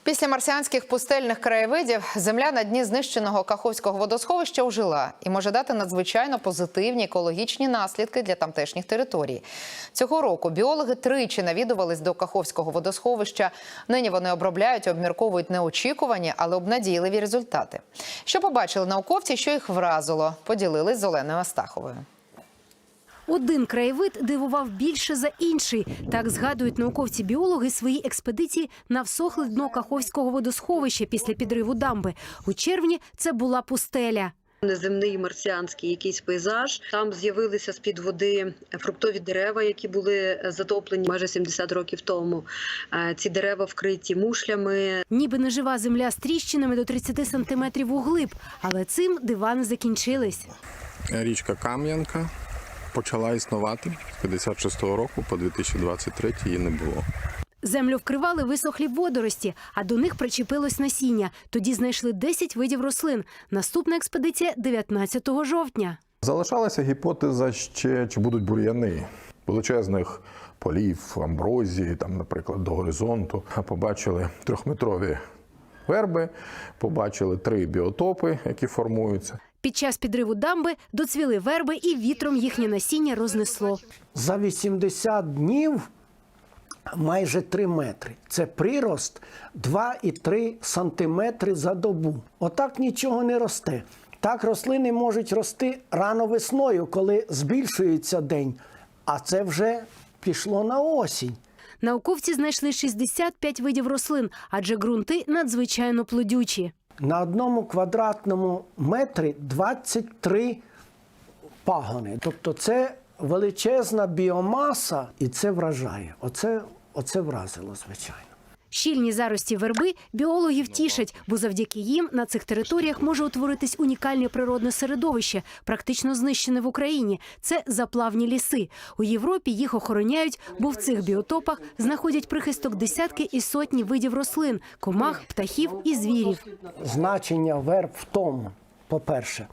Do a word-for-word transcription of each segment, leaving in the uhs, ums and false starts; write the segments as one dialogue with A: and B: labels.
A: Після марсіанських пустельних краєвидів земля на дні знищеного Каховського водосховища ожила і може дати надзвичайно позитивні екологічні наслідки для тамтешніх територій. Цього року біологи тричі навідувались до Каховського водосховища. Нині вони обробляють і обмірковують неочікувані, але обнадійливі результати. Що побачили науковці, що їх вразило, поділились з Оленою Астаховою.
B: Один краєвид дивував більше за інший. Так згадують науковці-біологи свої експедиції на всохле дно Каховського водосховища після підриву дамби. У червні це була пустеля.
C: Неземний марсіанський якийсь пейзаж. Там з'явилися з-під води фруктові дерева, які були затоплені майже сімдесят років тому. Ці дерева вкриті мушлями.
B: Ніби нежива земля з тріщинами до тридцяти сантиметрів углиб. Але цим дива не закінчились.
D: Річка Кам'янка почала існувати з п'ятдесят шостого року по дві тисячі двадцять третій її не було.
B: Землю вкривали висохлі водорості, а до них причепилось насіння. Тоді знайшли десять видів рослин. Наступна експедиція – дев'ятнадцятого жовтня.
E: Залишалася гіпотеза ще, чи будуть бур'яни. Величезних полів, амброзії, там, наприклад, до горизонту. Побачили трьохметрові верби, побачили три біотопи, які формуються.
B: Під час підриву дамби доцвіли верби і вітром їхнє насіння рознесло.
F: За вісімдесят днів майже три метри. Це прирост два і три сантиметри за добу. Отак нічого не росте. Так рослини можуть рости рано весною, коли збільшується день. А це вже пішло на осінь.
B: Науковці знайшли шістдесят п'ять видів рослин, адже ґрунти надзвичайно плодючі.
F: На одному квадратному метрі двадцять три пагони. Тобто це величезна біомаса, і це вражає. Оце, оце вразило, звичайно.
B: Щільні зарості верби біологів тішать, бо завдяки їм на цих територіях може утворитись унікальне природне середовище, практично знищене в Україні. Це заплавні ліси. У Європі їх охороняють, бо в цих біотопах знаходять прихисток десятки і сотні видів рослин, комах, птахів і звірів.
F: Значення верб в тому, по-перше,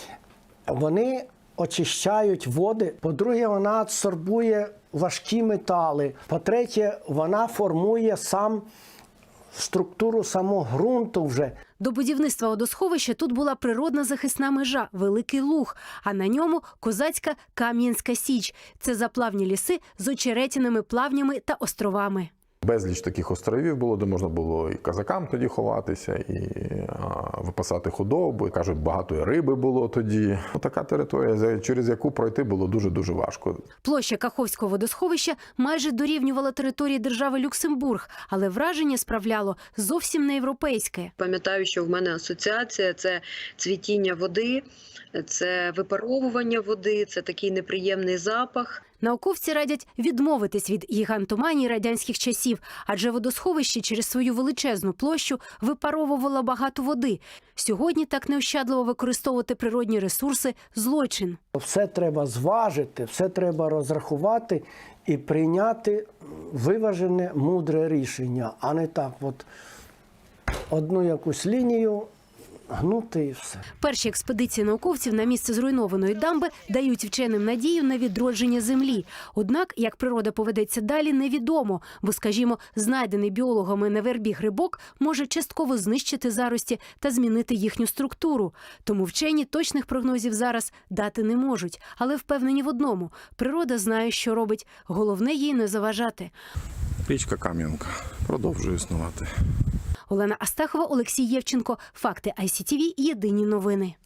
F: вони очищають води, по-друге, вона адсорбує важкі метали, по-третє, вона формує сам структуру самого ґрунту вже.
B: До будівництва водосховища тут була природна захисна межа – Великий Луг, а на ньому козацька Кам'янська Січ. Це заплавні ліси з очеретяними плавнями та островами.
E: Безліч таких островів було, де можна було і козакам тоді ховатися, і а, випасати худобу. І, кажуть, багато і риби було тоді. Така територія, через яку пройти було дуже-дуже важко.
B: Площа Каховського водосховища майже дорівнювала території держави Люксембург, але враження справляло зовсім не європейське.
C: Пам'ятаю, що в мене асоціація – це цвітіння води, це випаровування води, це такий неприємний запах.
B: Науковці радять відмовитись від гігантоманії радянських часів, адже водосховище через свою величезну площу випаровувало багато води. Сьогодні так неощадливо використовувати природні ресурси – злочин.
F: Все треба зважити, все треба розрахувати і прийняти виважене, мудре рішення, а не так от одну якусь лінію гнути і все.
B: Перші експедиції науковців на місце зруйнованої дамби дають вченим надію на відродження землі. Однак, як природа поведеться далі, невідомо, бо, скажімо, знайдений біологами на вербі грибок може частково знищити зарості та змінити їхню структуру. Тому вчені точних прогнозів зараз дати не можуть. Але впевнені в одному – природа знає, що робить. Головне їй не заважати.
D: Річка Кам'янка продовжує існувати.
B: Олена Астахова, Олексій Євченко. Факти ай сі ті ві. Єдині новини.